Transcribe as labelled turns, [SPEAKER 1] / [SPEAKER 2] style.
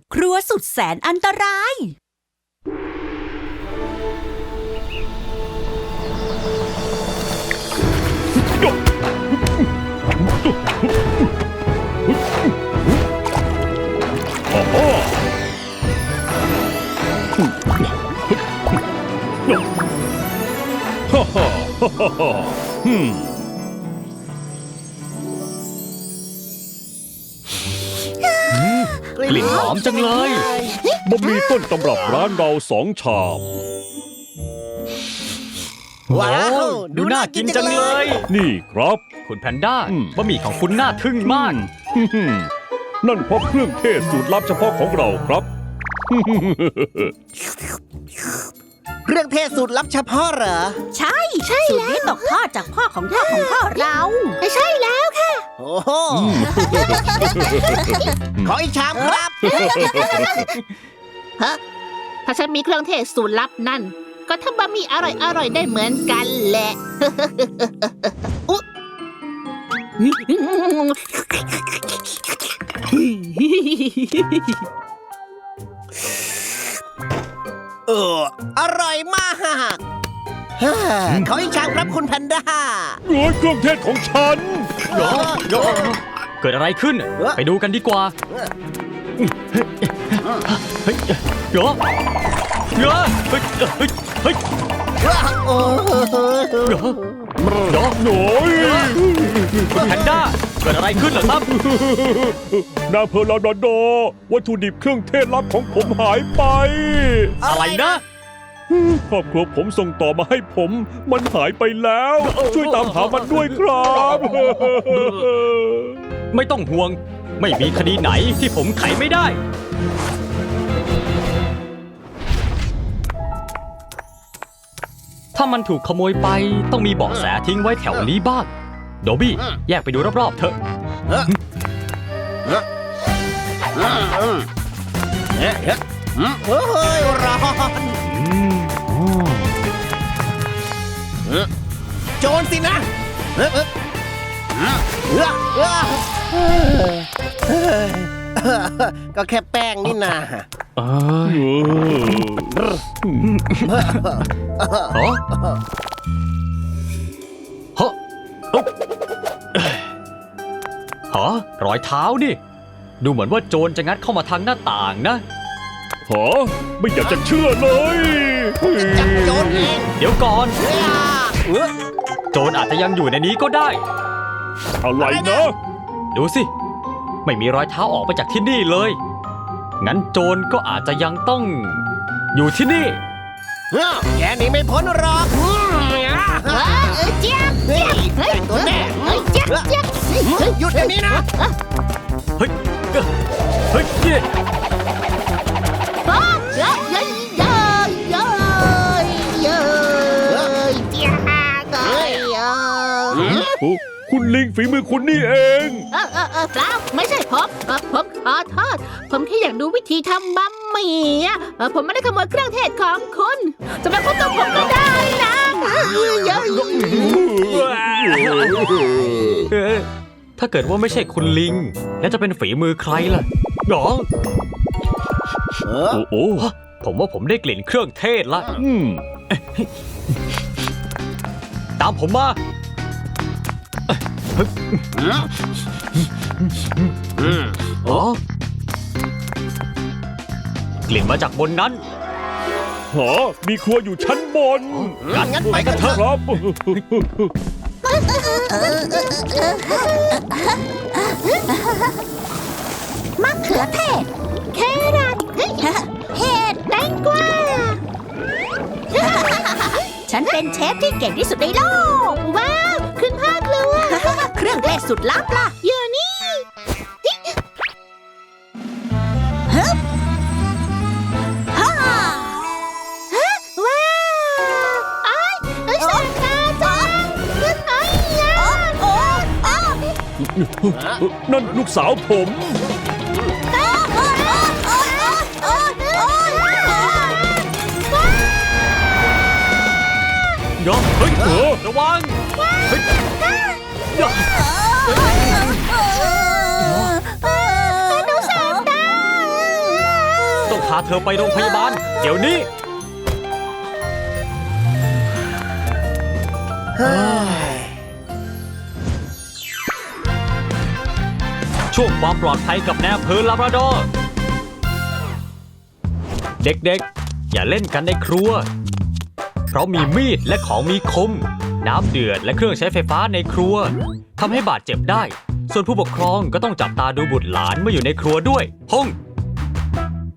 [SPEAKER 1] ครัวสุดแสนอันตราย
[SPEAKER 2] กลิ่นหอมจังเลย
[SPEAKER 3] บะหมี่ต้นตำรับร้านเรา2 ชาม
[SPEAKER 2] ว้าวดูน่ากินจังเลย
[SPEAKER 3] นี่ครับ
[SPEAKER 2] คุณแพนด้าบะหมี่ของคุณน่าทึ่งมาก
[SPEAKER 3] นั่นเพราะเครื่องเทศสูตรลับเฉพาะของเราครับ
[SPEAKER 4] เครื่องเทศสูตรลับเฉพาะเหรอ
[SPEAKER 1] ใช่สูตรนี้ตกทอดจากพ่อของพ่อของพ่อเรา
[SPEAKER 5] ใช่แล้วค่ะ
[SPEAKER 4] โอ้โห ขออีกชามครับ
[SPEAKER 5] ฮะ ถ้าฉันมีเครื่องเทศสูตรลับนั่น ก็ทำบะหมี่อร่อยได้เหมือนกันแหละ อุ๊
[SPEAKER 4] อร่อยมากขออีกชามครับคุณแพนด้า
[SPEAKER 3] โอ้ยเครื่องเทศของฉัน
[SPEAKER 2] เกิดอะไรขึ้น ไปดูกันดีกว่าเฮ้ยเดี๋ยวเฮ้ยเฮ้ยเฮ้ย
[SPEAKER 4] โอ้
[SPEAKER 2] เดี๋ยว
[SPEAKER 3] โอ้ย
[SPEAKER 2] คุณแพนด้าเกิดอะไรขึ้นเหรอครับ
[SPEAKER 3] นาเพอร์ลาดอโดวัตถุดิบเครื่องเทศลับของผมหายไป
[SPEAKER 2] อะไรนะ
[SPEAKER 3] ครอบครัวผมส่งต่อมาให้ผม มันหายไปแล้ว ช่วยตามหามันด้วยครับ
[SPEAKER 2] ไม่ต้องห่วง ไม่มีคดีไหนที่ผมไขไม่ได้ ถ้ามันถูกขโมยไปต้องมีเบาะแสทิ้งไว้แถวนี้บ้างโดบี้แยกไปดูรอบๆเถอะ
[SPEAKER 4] โอ้ยร้อนโจรสินะก็แค่แป้งนี่นา
[SPEAKER 2] เอ้ยฮะฮะฮะรอยเท้านี่ ดูเหมือนว่าโจรจะงัดเข้ามาทางหน้าต่างนะ
[SPEAKER 3] หาไม่อยากจะเชื่อเลย
[SPEAKER 4] จับโจรเอง
[SPEAKER 2] เดี๋ยวก่อน โจรอาจจะยังอยู่ในนี้ก็ได้
[SPEAKER 3] อะไรนะ
[SPEAKER 2] ดูสิ ไม่มีรอยเท้าออกไปจากที่นี่เลย งั้นโจรก็อาจจะยังต้อง อยู่ที่นี่
[SPEAKER 4] แกหนีไม่พ้นหรอก
[SPEAKER 5] เจี๊ยบ
[SPEAKER 4] เฮ้ยได้ตัวแน่
[SPEAKER 5] เจี๊ยบเจี๊ยบ
[SPEAKER 4] หยุดเดี๋ยวนี้นะ
[SPEAKER 2] เฮ้ยเฮ้ยเฮ้ย
[SPEAKER 5] เย้เย้เย้เย้เย้เจี๊ยบ
[SPEAKER 3] คุณลิงฝีมือคุณนี่เอง
[SPEAKER 5] เปล่าไม่ใช่ผมขอโทษผมแค่อยากดูวิธีทำบะหมี่ผมไม่ได้ขโมยเครื่องเทศของคุณจะมาพูดกับผมก็ได้นะเยอะ
[SPEAKER 2] ถ้าเกิดว่าไม่ใช่คุณลิง แล้วจะเป็นฝีมือใครล่ะหรอ
[SPEAKER 3] โอ้โห
[SPEAKER 2] ผมว่าผมได้กลิ่นเครื่องเทศละ ตามผมมาอ๋อกลิ่นมาจากบนนั้น
[SPEAKER 3] หามีครัวอยู่ชั้นบน
[SPEAKER 4] งั้นไปกันเถอะ
[SPEAKER 3] ครับ
[SPEAKER 1] มะเขือเทศ
[SPEAKER 5] แครอทเห็ดแตงกวา
[SPEAKER 1] ฉันเป็นเชฟที่เก่งที่สุดในโลก
[SPEAKER 5] ว้าวคุณพ่อครัว
[SPEAKER 1] เครื่องเทศสุดลับล่ะ
[SPEAKER 5] อยู่นี่
[SPEAKER 1] ฮ่า
[SPEAKER 5] ว้าวไอ้สงครามจังไอ้ยา
[SPEAKER 3] นั่นลูกสาวผม
[SPEAKER 2] ยอมเฮ้ยระวังเฮ้ยยอม
[SPEAKER 5] หนูแสบตา
[SPEAKER 2] พาเธอไปโรงพยาบาล เดี๋ยวนี้
[SPEAKER 4] เฮ้ย
[SPEAKER 2] ช่วงความปลอดภัยกับแนวอำเภอลาบราดอร์ เด็กๆ อย่าเล่นกันในครัว เพราะมีมีดและของมีคม น้ำเดือดและเครื่องใช้ไฟฟ้าในครัวทำให้บาดเจ็บได้ ส่วนผู้ปกครองก็ต้องจับตาดูบุตรหลานเมื่ออยู่ในครัวด้วยพงษ์